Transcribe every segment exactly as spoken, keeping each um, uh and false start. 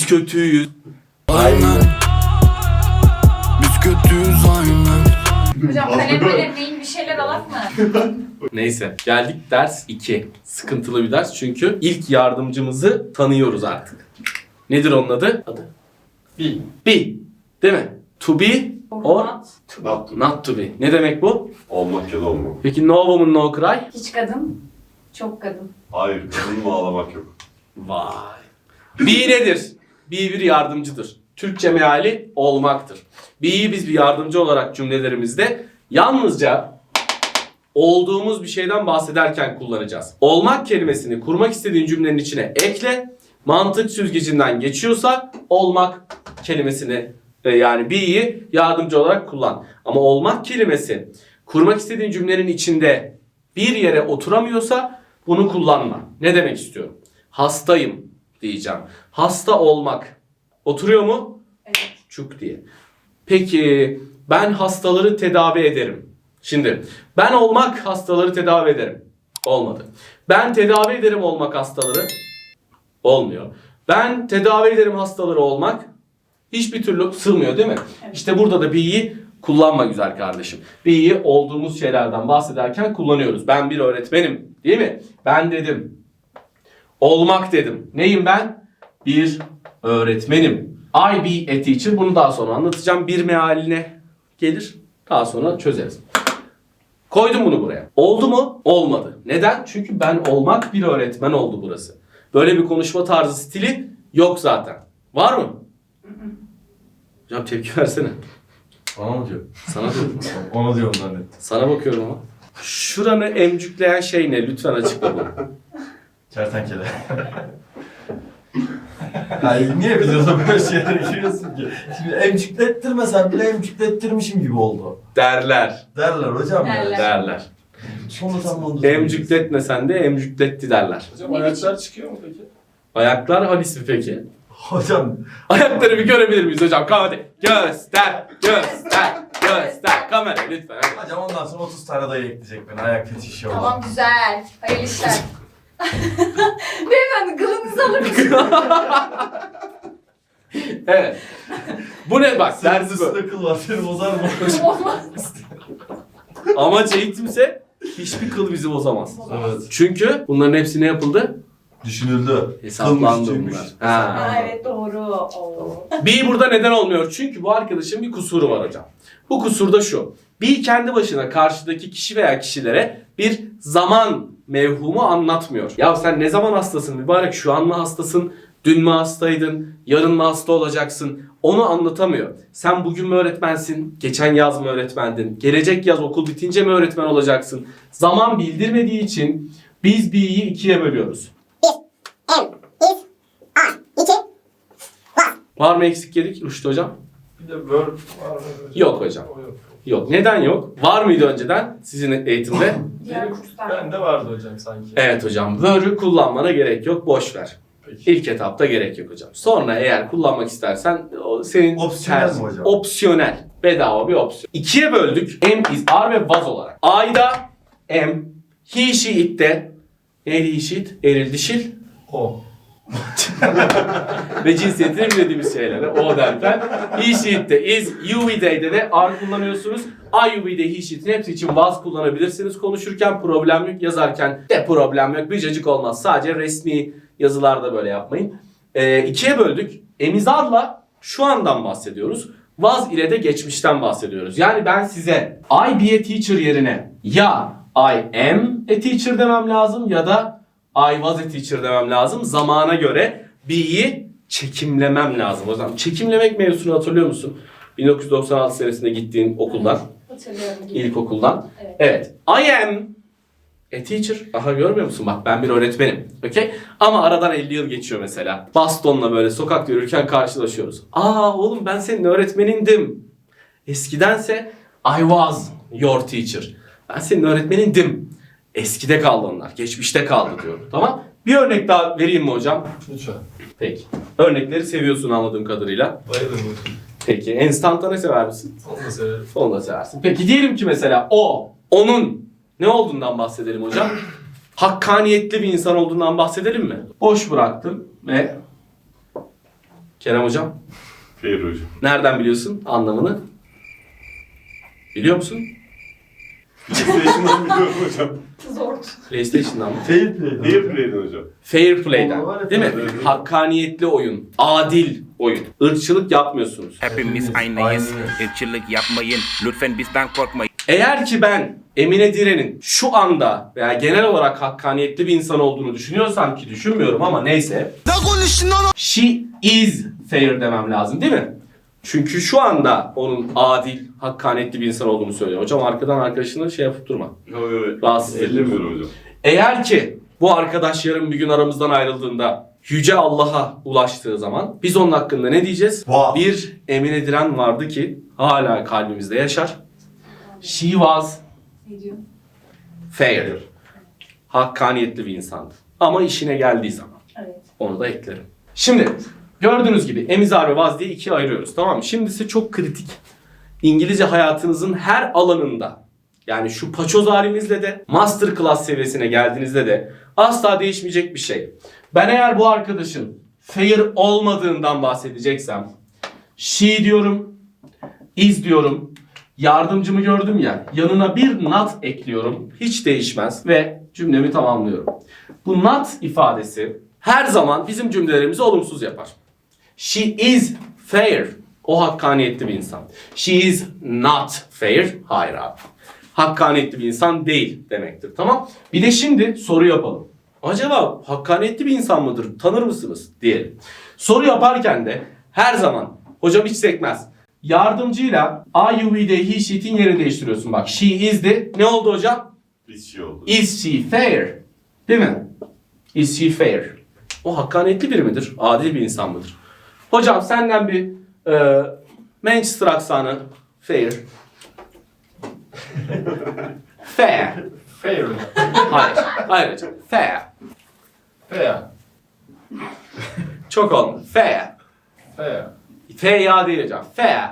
Biz kötüyüz. Aynen. Biz kötüyüz aynen. Hocam kalem kalem neyin bir şeyler alak mı? Neyse geldik ders iki. Sıkıntılı bir ders çünkü ilk yardımcımızı tanıyoruz artık. Nedir onun adı? Adı. Be. Be. Değil mi? To be or Not. Not to. not to be. Ne demek bu? Olmak ya da olmak. Peki no woman no cry? Hiç kadın, çok kadın. Hayır, kadın mı ağlamak yok. Vay. Be nedir? Be bir yardımcıdır. Türkçe meali olmaktır. Be'yi biz bir yardımcı olarak cümlelerimizde yalnızca olduğumuz bir şeyden bahsederken kullanacağız. Olmak kelimesini kurmak istediğin cümlenin içine ekle. Mantık süzgecinden geçiyorsa olmak kelimesini e, yani be'yi yardımcı olarak kullan. Ama olmak kelimesi kurmak istediğin cümlenin içinde bir yere oturamıyorsa bunu kullanma. Ne demek istiyorum? Hastayım diyeceğim. Hasta olmak. Oturuyor mu? Evet. Çuk diye. Peki ben hastaları tedavi ederim. Şimdi ben olmak hastaları tedavi ederim. Olmadı. Ben tedavi ederim olmak hastaları. Olmuyor. Ben tedavi ederim hastaları olmak hiçbir türlü sığmıyor değil mi? Evet. İşte burada da be'yi kullanma güzel kardeşim. Be'yi olduğumuz şeylerden bahsederken kullanıyoruz. Ben bir öğretmenim değil mi? Ben dedim. Olmak dedim. Neyim ben? Bir öğretmenim. I be a teacher. Bunu daha sonra anlatacağım. Bir mealine gelir. Daha sonra çözeriz. Koydum bunu buraya. Oldu mu? Olmadı. Neden? Çünkü ben olmak bir öğretmen oldu burası. Böyle bir konuşma tarzı stili yok zaten. Var mı? Hocam tepki versene. Bana mı diyor? Sana diyorum. Ona diyorum zannettim. Sana bakıyorum ama. Şuranı emcükleyen şey ne? Lütfen açıkla bunu. Kertenkele. Ay niye videoda böyle şeylere giriyorsun ki? Şimdi emcüklettirmesen bile emcüklettirmişim gibi oldu. Derler. Derler hocam ya. Derler. Derler. Sonra tam onu Emcükletmesen de emcükletti derler. Hocam ayaklar çıkıyor mu peki? Ayaklar hangisi peki? Hocam Ayakları bir görebilir miyiz hocam? Hadi. Göster, göster, göster. Kamera lütfen. Hadi. hocam ondan sonra otuz tane dayı ekleyecek beni ayak fetişi olan. Tamam güzel. Hayırlı işler. Beyefendi kılınızı alır mısınız? Evet. Bu ne bak Senin dersi bu. üstünde kıl var seni bozar mı? Olmaz. Amaç eğitimse hiçbir kıl bizi bozamaz. Evet. Çünkü bunların hepsi ne yapıldı? Düşünüldü. Hesaplandı Kılmış, bunlar. tüymüş. Ha. Ha, evet doğru. Oo. B burada neden olmuyor? Çünkü bu arkadaşın bir kusuru var hocam. Bu kusur da şu. B kendi başına karşıdaki kişi veya kişilere bir zaman mevhumu anlatmıyor. Ya sen ne zaman hastasın mübarek? Şu an mı hastasın? Dün mü hastaydın? Yarın mı hasta olacaksın? Onu anlatamıyor. Sen bugün mü öğretmensin? Geçen yaz mı öğretmendin? Gelecek yaz okul bitince mi öğretmen olacaksın? Zaman bildirmediği için biz B'yi ikiye bölüyoruz. Var mı eksik yedik Rüştü hocam? Bir de verb var mı? Yok hocam. O yok. Yok. Neden yok? Var mıydı önceden sizin eğitimde? Diğer kurslar. Bende vardı hocam sanki. Evet hocam. Word'ü kullanmana gerek yok. Boş ver. Peki. İlk etapta gerek yok hocam. Sonra eğer kullanmak istersen o senin Opsiyonel tercih- mi hocam? Opsiyonel. Bedava bir opsiyon. İkiye böldük. Am, is, are ve was olarak. I'da am, he, she, it'te neydi he, she, it? Eril, dişil O. ve cinsiyetini bilmediğimiz şeylere o derken he, she, it'te is, you, we, they'de de are kullanıyorsunuz. I, you, we, they, he, she, it'in hepsi için was kullanabilirsiniz. Konuşurken problem yok, yazarken de problem yok. Bir cacık olmaz. Sadece resmi yazılarda böyle yapmayın. Ee, ikiye böldük. Emizarla şu andan bahsediyoruz. Was ile de geçmişten bahsediyoruz. Yani ben size I be a teacher yerine ya I am a teacher demem lazım ya da I was a teacher demem lazım. Zamana göre be'yi çekimlemem lazım. O zaman çekimlemek mevzusunu hatırlıyor musun? bin dokuz yüz doksan altı senesinde gittiğin okuldan, Hatırlıyorum. ilkokuldan. Evet. Evet. I am a teacher. Aha görmüyor musun? Bak ben bir öğretmenim. Okey? Ama aradan elli yıl geçiyor mesela. Bastonla böyle sokakta yürürken karşılaşıyoruz. Aa oğlum ben senin öğretmenindim. Eskidense I was your teacher. Ben senin öğretmenindim. Eskide kaldı onlar. Geçmişte kaldı diyorum. Tamam? Bir örnek daha vereyim mi hocam? Lütfen. Peki. Örnekleri seviyorsun anladığım kadarıyla. Bayılırım hocam. Peki. Enstantane sever misin? Onu da severim. Onu da seversin. Peki diyelim ki mesela o, onun ne olduğundan bahsedelim hocam? Hakkaniyetli bir insan olduğundan bahsedelim mi? Boş bıraktım ve Kerem hocam. Fair hocam. Nereden biliyorsun anlamını? Biliyor musun? PlayStation'dan biliyorum hocam. Zor. PlayStation'dan mı? Fair play. Fair play'den hocam. Fair play'den. Doğru, evet, Değil mi? evet. Hakkaniyetli oyun. Adil oyun. Irkçılık yapmıyorsunuz. Hepimiz aynıyız. Irkçılık yapmayın. Lütfen bizden korkmayın. Eğer ki ben Emine Diren'in şu anda veya genel olarak hakkaniyetli bir insan olduğunu düşünüyorsam ki düşünmüyorum ama neyse. Ne konuştun lan? She is fair demem lazım değil mi? Çünkü şu anda onun adil, hakkaniyetli bir insan olduğunu söylüyor. Hocam arkadan arkadaşını şey yapıp durma. Yok yok. Rahatsız ediyorum. Ellemiyorum hocam. Eğer ki bu arkadaş yarın bir gün aramızdan ayrıldığında Yüce Allah'a ulaştığı zaman biz onun hakkında ne diyeceğiz? Wow. Bir Emine Diren vardı ki hala kalbimizde yaşar. She was Ne diyor? fair. Hakkaniyetli bir insandı. Ama işine geldiği zaman. Evet. Onu da eklerim. Şimdi gördüğünüz gibi emizar ve vaz diye ikiye ayırıyoruz, tamam mı? Şimdi ise çok kritik. İngilizce hayatınızın her alanında, yani şu paçoz halimizle de masterclass seviyesine geldiğinizde de asla değişmeyecek bir şey. Ben eğer bu arkadaşın fair olmadığından bahsedeceksem she diyorum, is diyorum, yardımcımı gördüm ya, yanına bir not ekliyorum, hiç değişmez ve cümlemi tamamlıyorum. Bu not ifadesi her zaman bizim cümlelerimizi olumsuz yapar. She is fair. O hakkaniyetli bir insan. She is not fair. Hayır abi. Hakkaniyetli bir insan değil demektir. Tamam. Bir de şimdi soru yapalım. Acaba hakkaniyetli bir insan mıdır? Tanır mısınız? Diyelim. Soru yaparken de her zaman hocam hiç sekmez. Yardımcıyla I, you, we, they, he, she'in yerini değiştiriyorsun. Bak she is de ne oldu hocam? Bir şey oldu. Is she fair? Değil mi? Is she fair? O hakkaniyetli biri midir? Adil bir insan mıdır? Hocam senden bir e, Manchester aksanı fair. Fair. Fair hocam. Hayır. Hayır hocam. Fair. Fair. Çok olmadı. Fair. Fair. Fair ya değil hocam. Fair.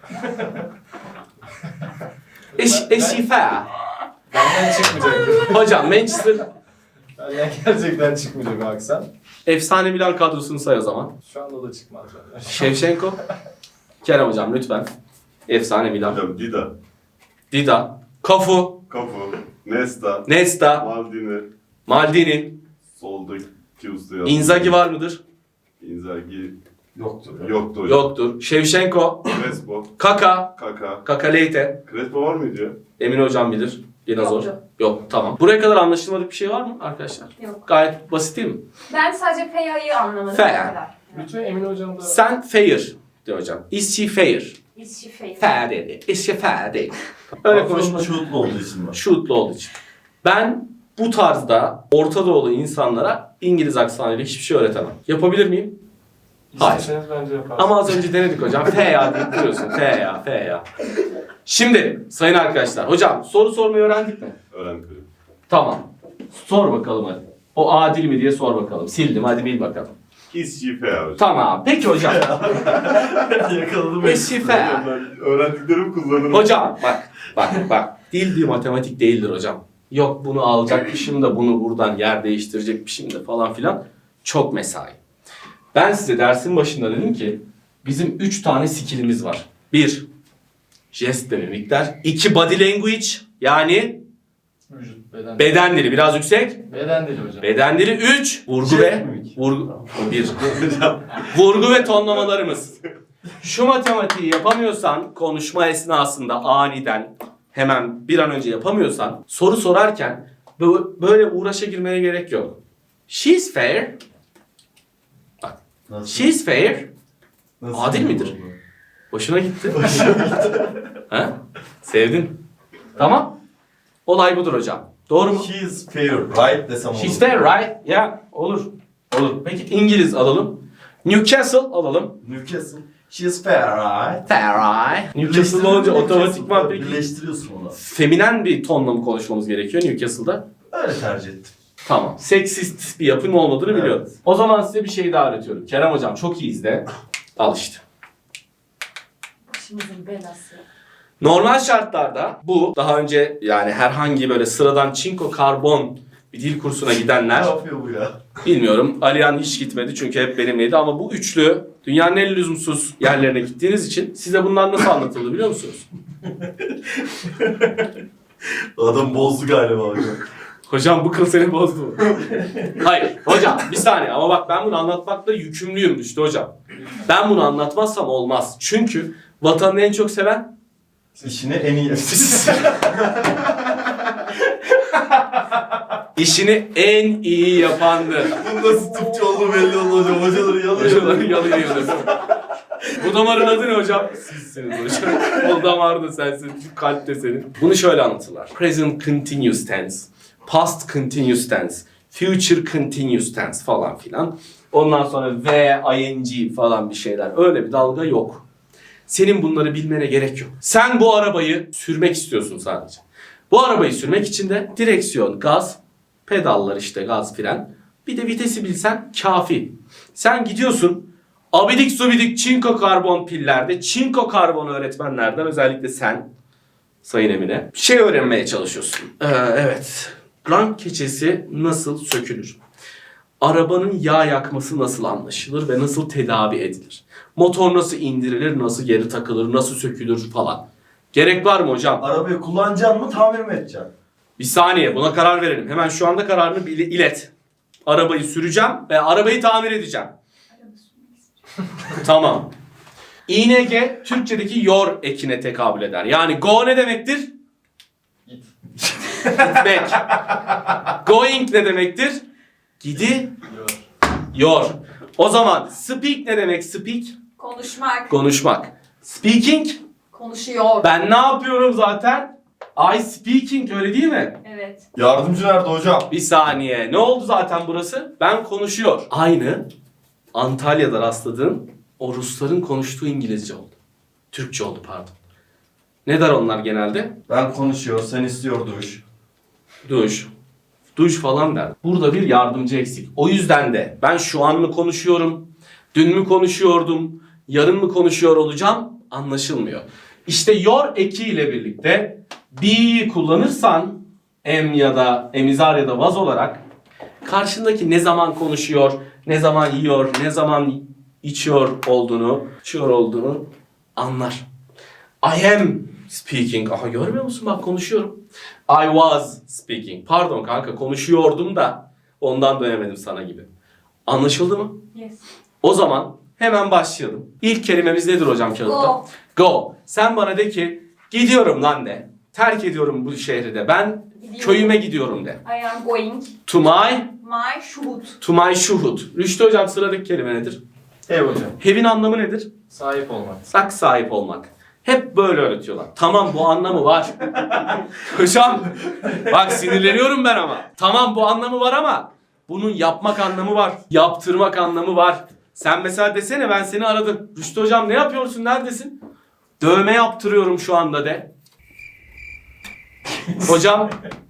Is, is she fair? Benden çıkmayacak. Hocam Manchester Benden gerçekten çıkmayacak o aksan. efsane Milan kadrosunu say o zaman. Şu anda da çıkmaz benden. Şevşenko. Kerem hocam lütfen. Efsane Milan. Hocam Dida. Dida. Cafu. Cafu. Nesta. Nesta. Maldini. Maldini. Soldaki usta yazdı. Inzaghi var mıdır? Inzaghi Yoktur. yoktu hocam. Yoktur. Şevşenko. Crespo. Kaka. Kaka. Kaka Leite. Crespo var mıydı ya? Emin hocam bilir. Yine zor. Yoktu. Yok tamam. Buraya kadar anlaşılmadık bir şey var mı arkadaşlar? Yok. Gayet basit değil mi? Ben sadece Feya'yı anlamadım. Fair. o kadar. Bütün Emin hocam da... Sen fair diyor hocam. Is she fair? Is she fair? Fair dedi. Is she fair değil. Öyle konuşma. Şutlu olduğu için var. Şutlu olduğu için. Ben bu tarzda Orta Doğulu insanlara İngiliz aksanıyla hiçbir şey öğretemem. Yapabilir miyim? Hayır. İsterseniz bence yaparsınız. Ama az önce denedik hocam. F ya deyip duruyorsun. F ya, F ya. Şimdi sayın arkadaşlar. Hocam soru sormayı öğrendik mi? Öğrendik hocam. Tamam. Sor bakalım hadi. O adil mi diye sor bakalım. Sildim hadi bil bakalım. Is she fair hocam? Tamam. Peki hocam. Yakaladım. Is she fair? Hocam ben öğrendiklerimi kullanırım. Hocam bak bak bak. Dil diye matematik değildir hocam. Yok bunu alacakmışım da bunu buradan yer değiştirecekmişim de falan filan. Çok mesai. Ben size dersin başında dedim ki bizim üç tane skillimiz var. Bir, jest ve mimikler. İki, body language yani Vücut, beden. beden dili biraz yüksek. Beden dili hocam. Beden dili. Üç, vurgu Jest ve mimik. vurgu. Bir. Vurgu ve tonlamalarımız. Şu matematiği yapamıyorsan konuşma esnasında aniden hemen bir an önce yapamıyorsan soru sorarken bö- böyle uğraşa girmeye gerek yok. She's fair. Bak. Nasıl? She's fair. Nasıl Adil oldu? midir? Hoşuna gitti. Ha? Sevdin. Tamam. Olay budur hocam. Doğru mu? She is fair, right desem olur. She's fair, right? Ya olur. Olur. Peki İngiliz alalım. Newcastle alalım. Newcastle. She is fair, right? Fair, right? Newcastle olunca otomatikman peki Birleştiriyorsun onu. feminen bir tonla mı konuşmamız gerekiyor Newcastle'da? Öyle tercih ettim. Tamam. Seksist bir yapım olmadığını Evet. biliyorum. O zaman size bir şey daha öğretiyorum. Kerem hocam çok iyi izle. Al işte. Başımızın belası. Normal şartlarda bu daha önce yani herhangi böyle sıradan çinko karbon bir dil kursuna Ne gidenler, yapıyor bu ya? bilmiyorum. Alihan hiç gitmedi çünkü hep benimleydi ama bu üçlü dünyanın en lüzumsuz yerlerine gittiğiniz için size bunlar nasıl anlatıldı biliyor musunuz? Adam bozdu galiba hocam. Hocam bu kıl seni bozdu mu? Hayır hocam bir saniye ama bak ben bunu anlatmakla yükümlüyüm işte hocam. Ben bunu anlatmazsam olmaz. Çünkü vatanını en çok seven İşini en iyi işini en iyi yapandır. Bu nasıl tıpçı olduğu belli oldu hocam. Hocaları Hocaları yalıyor. yalıyor yalıyor. Bu damarın adı ne hocam? Sizsiniz hocam. O damar da sensin, şu kalp de senin. Bunu şöyle anlatırlar. Present continuous tense, past continuous tense, future continuous tense falan filan. Ondan sonra V, ing falan bir şeyler. Öyle bir dalga yok. Senin bunları bilmene gerek yok. Sen bu arabayı sürmek istiyorsun sadece. Bu arabayı sürmek için de direksiyon, gaz, pedallar işte gaz, fren. Bir de vitesi bilsen kafi. Sen gidiyorsun abidik subidik çinko karbon pillerde, çinko karbon öğretmenlerden özellikle sen Sayın Emine şey öğrenmeye çalışıyorsun. Ee, evet. Rank keçesi nasıl sökülür? Arabanın yağ yakması nasıl anlaşılır ve nasıl tedavi edilir? Motor nasıl indirilir, nasıl geri takılır, nasıl sökülür falan. Gerek var mı hocam? Arabayı kullanacaksın mı, tamir mi edeceksin? Bir saniye buna karar verelim. Hemen şu anda kararını bil- ilet. Arabayı süreceğim ve arabayı tamir edeceğim. Tamam. I N G Türkçedeki yor ekine tekabül eder. Yani go ne demektir? Git. Gitmek. Going ne demektir? Gidi Yor. yor. O zaman speak ne demek speak? Konuşmak. Konuşmak. Speaking Konuşuyor. ben ne yapıyorum zaten? I speaking öyle değil mi? Evet. Yardımcı nerede hocam? Bir saniye. Ne oldu zaten burası? Ben konuşuyor. Aynı Antalya'da rastladığım o Rusların konuştuğu İngilizce oldu. Türkçe oldu pardon. Ne der onlar genelde? Ben konuşuyor, sen istiyor duş. Duş. Duş falan der. Burada bir yardımcı eksik. O yüzden de ben şu an mı konuşuyorum? Dün mü konuşuyordum? Yarın mı konuşuyor olacağım? Anlaşılmıyor. İşte your eki ile birlikte be kullanırsan em ya da emizar ya da was olarak karşındaki ne zaman konuşuyor, ne zaman yiyor, ne zaman içiyor olduğunu, içiyor olduğunu anlar. I am speaking. Aha görmüyor musun bak konuşuyorum. I was speaking. Pardon kanka konuşuyordum da ondan dönemedim sana gibi. Anlaşıldı mı? Yes. O zaman hemen başlayalım. İlk kelimemiz nedir hocam kağıtta? Go. Go. Sen bana de ki gidiyorum lan de. Terk ediyorum bu şehri de. Ben Gidiyorum. köyüme gidiyorum de. I am going. To my, My shoot. to my şuhud. Rüştü hocam sıradaki kelime nedir? Ev hocam. Have'in anlamı nedir? Sahip olmak. Sak sahip olmak. Hep böyle öğretiyorlar. Tamam bu anlamı var. Hocam bak sinirleniyorum ben ama. Tamam bu anlamı var ama bunun yapmak anlamı var. Yaptırmak anlamı var. Sen mesela desene ben seni aradım. Rüştü hocam ne yapıyorsun neredesin? Dövme yaptırıyorum şu anda de. Hocam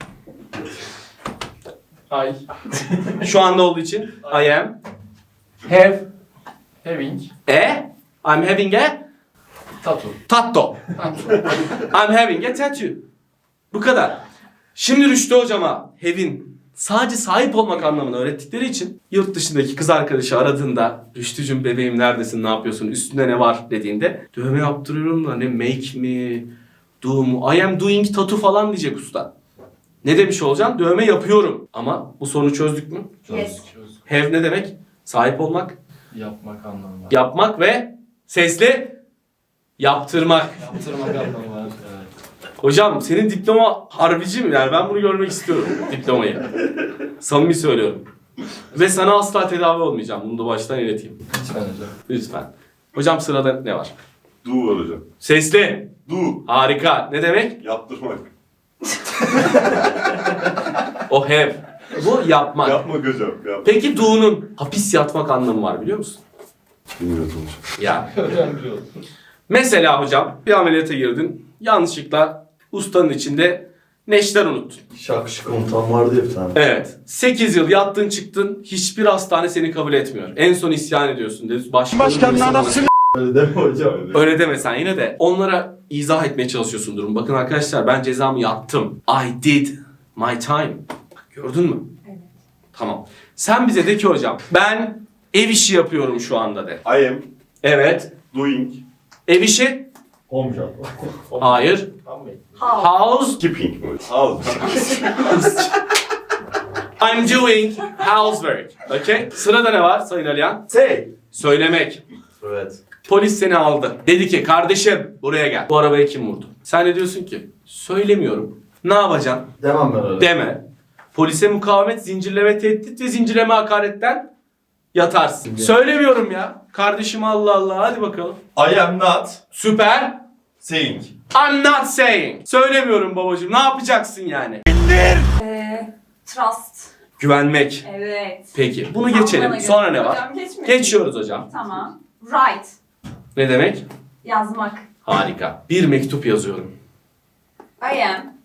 Ay. şu anda olduğu için I am have Having. a I'm having a Tattoo. tattoo. I'm having a tattoo. Bu kadar. Şimdi Rüştü hocama have'in sadece sahip olmak anlamını öğrettikleri için yurt dışındaki kız arkadaşı aradığında Rüştücüm bebeğim neredesin ne yapıyorsun üstünde ne var dediğinde dövme yaptırıyorum da ne make mi do mu I am doing tattoo falan diyecek usta. Ne demiş olacaksın? Dövme yapıyorum. Ama bu sorunu çözdük mü? Yes. Have ne demek? Sahip olmak, Yapmak anlamı var. yapmak ve sesli yaptırmak. Yaptırmak anlamı var. Evet. Hocam senin diploma harbici mi? Yani ben bunu görmek istiyorum diplomayı. Samimi söylüyorum. Ve sana asla tedavi olmayacağım. Bunu da baştan ileteyim. Lütfen hocam. Lütfen. Hocam sırada ne var? Do var hocam. Sesli. Do. Harika. Ne demek? Yaptırmak. O have. Bu yapmak. Yapmak hocam. Yap. Peki do'nun hapis yatmak anlamı var biliyor musun? Bilmiyorum hocam. Ya. Öğrenci oldum. Mesela hocam bir ameliyata girdin. Yanlışlıkla ustanın içinde neşter unuttun. Şakşı komutan vardı ya bir tane. Evet. sekiz yıl yattın çıktın. Hiçbir hastane seni kabul etmiyor. En son isyan ediyorsun. Dedi. Başkanın anasını... Öyle deme hocam. Öyle deme sen yine de. Onlara izah etmeye çalışıyorsun durum. Bakın arkadaşlar ben cezamı yattım. I did my time. Bak, gördün mü? Tamam. Sen bize de ki hocam ben ev işi yapıyorum şu anda de. I am Evet. doing Ev işi? Home job. Hayır. How? House. keeping mi? House. I'm doing housework. Okay? Sırada ne var Sayın Alihan? Say. Söylemek. Evet. Polis seni aldı. Dedi ki kardeşim buraya gel. Bu arabaya kim vurdu? Sen de diyorsun ki söylemiyorum. Ne yapacaksın? Demem ben öyle. Deme. Polise mukavemet, zincirleme tehdit ve zincirleme hakaretten yatarsın. Söylemiyorum ya. Kardeşim Allah Allah hadi bakalım. I am not Süper. saying. I'm not saying. Söylemiyorum babacığım. Ne yapacaksın yani? Ee, trust. Güvenmek. Evet. Peki. Bunu Tam bana geçelim. göre. Sonra ne var? Hocam geçmeyin. Geçiyoruz hocam. Tamam. Write. Ne demek? Yazmak. Harika. Bir mektup yazıyorum. I am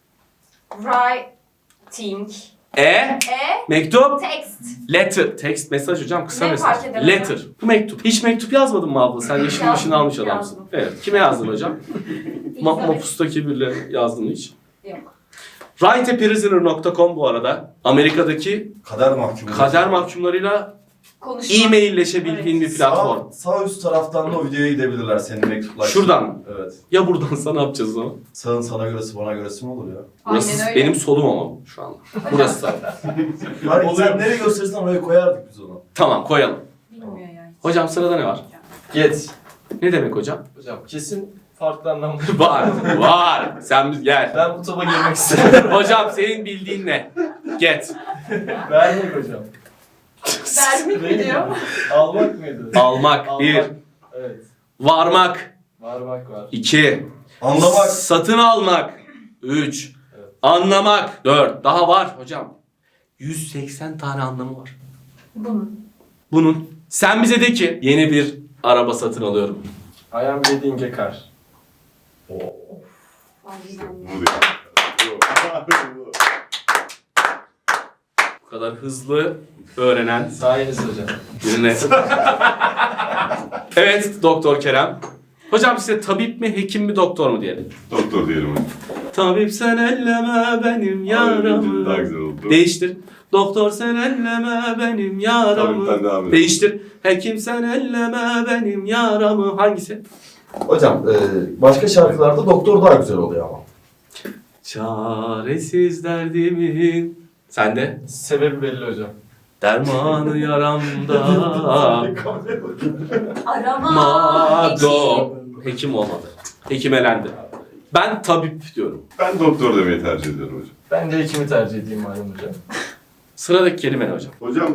writing E? a Mektup? text. Letter. Text mesaj hocam kısa Ne mesaj. fark eder Letter. Bu mektup. Hiç mektup yazmadın mı abla? Sen yaşını Yazdım, başını almış adamsın. yazdım. Evet. Kime yazdın hocam? Ma İzlemek. Mapus'taki biriyle yazdın mı hiç? Yok. write a prisoner nokta com bu arada Amerika'daki Kader mahkumu. kader mahkumlarıyla Konuşma. e-mailleşebildiğin bir platform. Sağ, sağ üst taraftan da o videoya gidebilirler senin mektuplar. Şuradan mı? Evet. Ya buradansa ne yapacağız o zaman? Sağın sana göresi bana göresi mi olur ya? Burası Aynen öyle. benim solum ama şu anda. Burası sağ. Hani sen nereye gösterirsen oraya koyardık biz onu. Tamam koyalım. Bilmiyor yani. Hocam sırada ne var? Get. Ne demek hocam? Hocam kesin farklı anlamda. Var. Var. Sen biz gel. Ben bu topa girmek istiyorum. Hocam senin bildiğin ne? Get. Vermek hocam. Vermek mi diyor? Almak mıydı? Almak. Almak. Bir. Evet. Varmak. Varmak var. İki. Anlamak. Satın almak. Üç. Evet. Anlamak. Dört. Daha var hocam. yüz seksen tane anlamı var. Bunun. Bunun. Sen bize de ki yeni bir araba satın alıyorum. I am getting a car. Aynen. Bu diyor. Bu. Bu kadar hızlı öğrenen Sayeniz hocam. birine. Evet Doktor Kerem. Hocam size tabip mi, hekim mi, doktor mu diyelim? Doktor diyelim hadi. Tabip sen elleme benim Daha yaramı. güzel oldu. Değiştir. Doktor sen elleme benim yaramı. Tabipten devam edelim. Değiştir. Hekim sen elleme benim yaramı. Hangisi? Hocam e, başka şarkılarda doktor daha güzel oluyor ama. Çaresiz derdimin. Sen de? Sebebi belli hocam. Dermanı yaramda. Arama. Mado. Hekim olmadı. Hekim elendi. Ben tabip diyorum. Ben doktor demeyi tercih ediyorum hocam. Ben de hekimi tercih edeyim malum hocam. Sıradaki kelime ne hocam? Hocam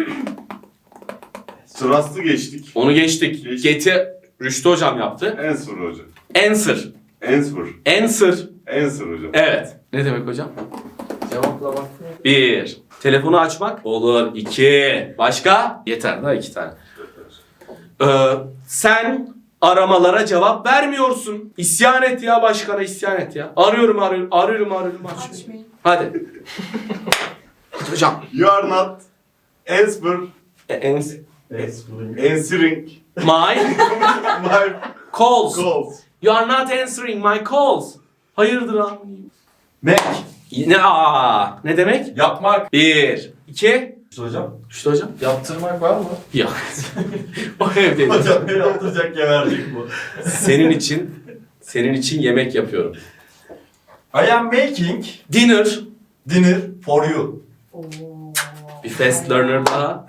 Trust'ı geçtik. Onu geçtik. Geçtik. Get'i Rüştü hocam yaptı. Answer hocam. Answer. Answer. Answer. Answer hocam. Evet. Ne demek hocam? Cevaplamak mı? Bir. Telefonu açmak. Olur. İki. Başka? Yeter daha iki tane. Ee, sen aramalara cevap vermiyorsun. İsyan et ya başkana isyan et ya. Arıyorum arıyorum arıyorum arıyorum. Açmıyor. Açmayın. Hadi. Hadi hocam. You are not answer Ans answering my my calls. calls. You are not answering my calls. Hayırdır abi? Mek. Ne, aa, ne demek? Yapmak. Bir, iki, İşte hocam. işte hocam. Yaptırmak var mı? Yok. O evdeyim. Hocam beni yaptıracak gebercek bu. Senin için, senin için yemek yapıyorum. I am making Dinner. dinner for you. Oo. Bir fast learner daha.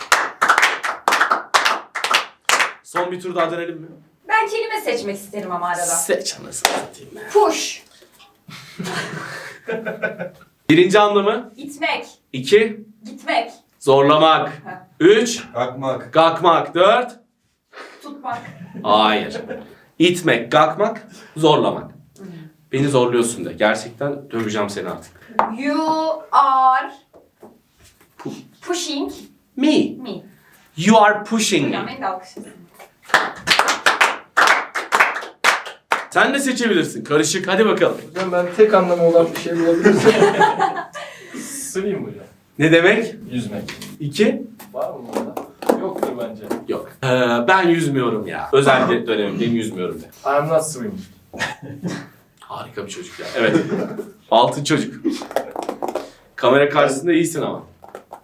Son bir tur daha dönelim mi? Ben kelime seçmek isterim ama arada. Seç anasını satayım. Push. Birinci anlamı. İtmek. iki. Gitmek. Zorlamak. Heh. üç. Kalkmak. Gakmak. dört. Tutmak. Hayır. İtmek, gakmak, zorlamak. Beni zorluyorsun de. Gerçekten döveceğim seni artık. You are Pu- pushing Me. me. You are pushing Hocam me. beni de alkışlasın. Sen de seçebilirsin. Karışık. Hadi bakalım. Hocam ben tek anlamı olan bir şey bulabilirsem. Swim hocam. Ne demek? Yüzmek. İki. Var mı burada? Yoktur bence. Yok. Ee, ben yüzmüyorum ya. Özel bir dönemimdeyim yüzmüyorum de. I am not swimming. Harika bir çocuk ya. Evet. Altın çocuk. Kamera karşısında iyisin ama.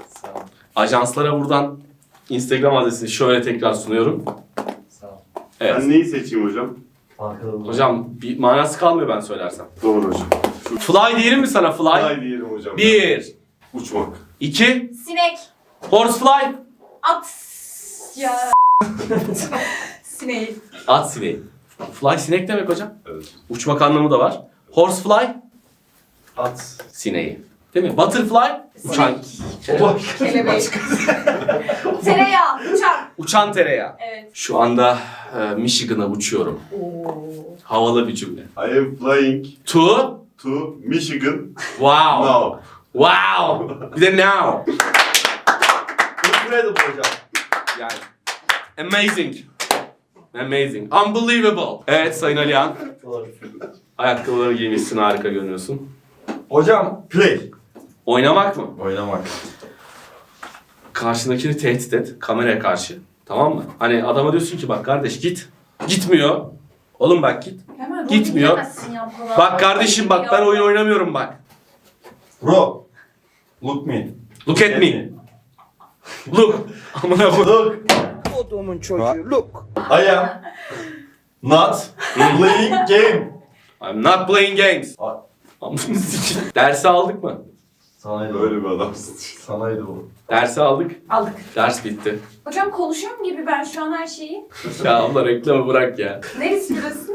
Ajanslara buradan Instagram adresini şöyle tekrar sunuyorum. Sağ ol. Evet. Ben neyi seçeyim hocam? Arkada dur. Hocam bir manası kalmıyor ben söylersem. Doğru hocam. Şu Fly diyelim mi sana fly? fly diyelim hocam. Bir, Uçmak. iki, Sinek. horsefly. At. Ya. Sineği. At sineği. Fly sinek demek hocam. Evet. Uçmak anlamı da var. Horsefly At. sineği. Değil mi? Butterfly uçan, Kelebek. Tereyağı. Uçak. uçan tereyağı. Evet. Şu anda e, Michigan'a uçuyorum. Oo. Havalı bir cümle. I am flying To to Michigan wow. now. Wow. Bir de now. Incredible hocam. Yani amazing. Amazing. Unbelievable. Evet Sayın Alihan. Ayakkabıları giymişsin, harika görünüyorsun. Hocam play. Oynamak mı? Oynamak. Karşındakini tehdit et, kameraya karşı. Tamam mı? Hani adama diyorsun ki bak kardeş git. Gitmiyor. Oğlum bak git. Hemen rol Gitmiyor. bilemezsin ya bu kadar. Bak kardeşim bak ben oyun oynamıyorum bak. Bro. Look me. Look at me. Look. Amına koy. Look. I am not playing game. I'm not playing games. Ay. Amına sikeyim. Dersi aldık mı? Sanaydı. Böyle bir adamsın. Sanaydı bu. Dersi aldık. Aldık. Ders bitti. Hocam konuşuyorum gibi ben şu an her şeyi. Ya abla reklamı bırak ya. Neresi burası?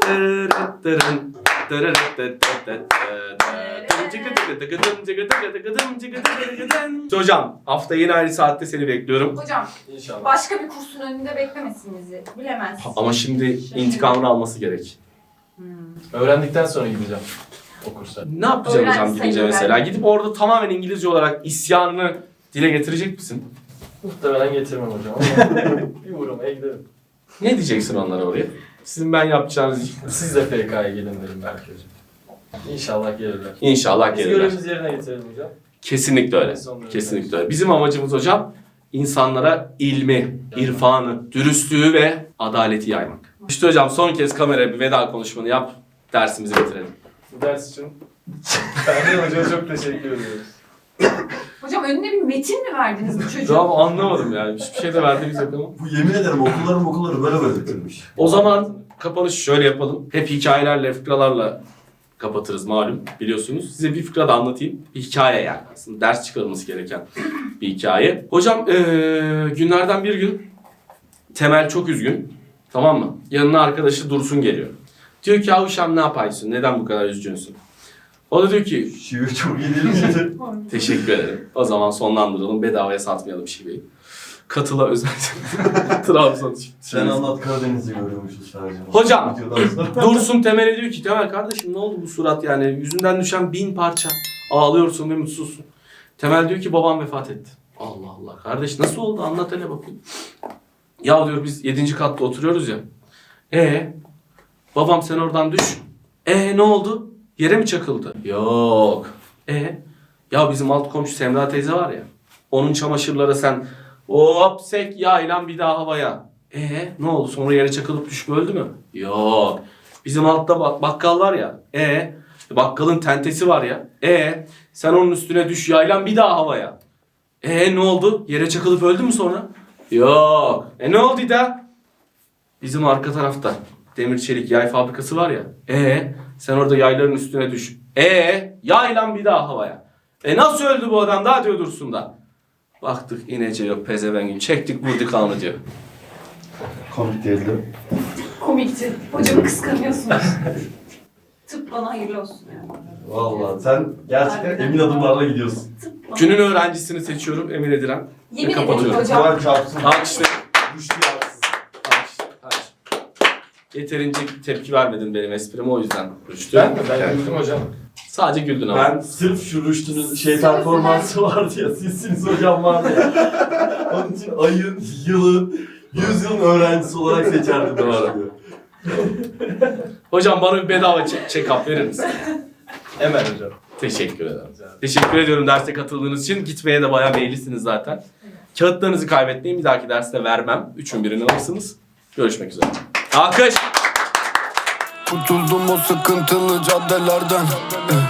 Hocam hafta yine aynı saatte seni bekliyorum. Hocam İnşallah. başka bir kursun önünde beklemesin bizi. Bilemez. Ama şimdi intikamını alması gerek. Öğrendikten sonra gideceğim o kursa. Ne yapacaksın Öğren hocam sayın gidince öğren. mesela? Gidip orada tamamen İngilizce olarak isyanını dile getirecek misin? Muhtemelen getirmem hocam ama bir uğramaya giderim. Ne diyeceksin onlara oraya? Sizin ben yapacağınız iş. Siz de F K'ya gelin derim belki hocam. İnşallah gelirler. İnşallah Biz gelirler. görevimizi yerine getirelim hocam. Kesinlikle öyle. Sonları Kesinlikle öyle. Bizim amacımız hocam insanlara ilmi, irfanı, dürüstlüğü ve adaleti yaymak. İşte hocam son kez kameraya bir veda konuşmanı yap. Dersimizi bitirelim. Bu ders için Ferdi Hoca'ya çok teşekkür ediyoruz. Hocam önüne bir metin mi verdiniz bu çocuğa? Tamam anlamadım yani. Hiçbir şey de verdiğimiz yok ama. Bu yemin ederim okulların okulları böyle böyle bitirmiş. O zaman kapanışı şöyle yapalım. Hep hikayelerle, fıkralarla kapatırız malum biliyorsunuz. Size bir fıkra da anlatayım. Bir hikaye yani aslında ders çıkarılması gereken bir hikaye. Hocam ee, günlerden bir gün Temel çok üzgün. Tamam mı? Yanına arkadaşı Dursun geliyor. Diyor ki Avuşam ne yapaysın? Neden bu kadar üzgünsün? O da diyor ki Şiir çok iyi değil miydi? teşekkür ederim. O zaman sonlandıralım. Bedavaya satmayalım şiveyi. Katıla özel. Trabzon. Sen anlat Karadeniz'i görüyormuşuz sadece. Hocam. Videodan sonra. Dursun Temel'e diyor ki Temel kardeşim ne oldu bu surat yani yüzünden düşen bin parça ağlıyorsun ve mutsuzsun. Temel diyor ki babam vefat etti. Allah Allah kardeş nasıl oldu anlat hele bakayım. Ya diyor biz yedinci katta oturuyoruz ya. E babam sen oradan düş. E ne oldu? Yere mi çakıldı? Yok. E ya bizim alt komşu Semra teyze var ya. Onun çamaşırlara sen hop sek yağıyla bir daha havaya. E ne oldu sonra yere çakılıp düşüp öldü mü? Yok. Bizim altta bak bakkal var ya. E bakkalın tentesi var ya. E sen onun üstüne düş yaylan bir daha havaya. E ne oldu? Yere çakılıp öldü mü sonra? Yok. E ne oldu da? Bizim arka tarafta demir çelik yay fabrikası var ya. E sen orada yayların üstüne düş. E yaylan bir daha havaya. E nasıl öldü bu adam daha diyor Dursun da. Baktık inece yok pezevengin. Çektik vurduk alnı diyor. Komik değildi. Komikti. Hocamı kıskanıyorsunuz. Tıp bana hayırlı olsun yani. Valla sen gerçekten emin adımlarla gidiyorsun. Tıp bana. Günün öğrencisini seçiyorum Emin Ediren. Yemin ederim kapatıyorum. hocam. Kur'an çarpsın. Alkışlar. Rüştü yapsın. Alkış, alkış. Yeterince tepki vermedin benim esprime o yüzden Rüştü. Ben mi? Ben Evet. güldüm hocam. Sadece güldün ama. Ben sırf şu Rüştü'nün şey performansı vardı ya, sizsiniz hocam vardı ya. Onun için ayın, yılın, yüzyılın öğrencisi olarak seçerdim. Doğru. Rüştü'yü. Hocam bana bir bedava check- check-up verir misin? Hemen hocam. Teşekkür ederim. Rica ederim. Teşekkür ediyorum derste katıldığınız için. Gitmeye de bayağı meyillisiniz zaten. Kağıtlarınızı kaybetmeyin. Bir dahaki derste vermem. Üçün birini alırsınız. Görüşmek üzere. Alkış. Kurtuldum o sıkıntılı caddelerden. Eh,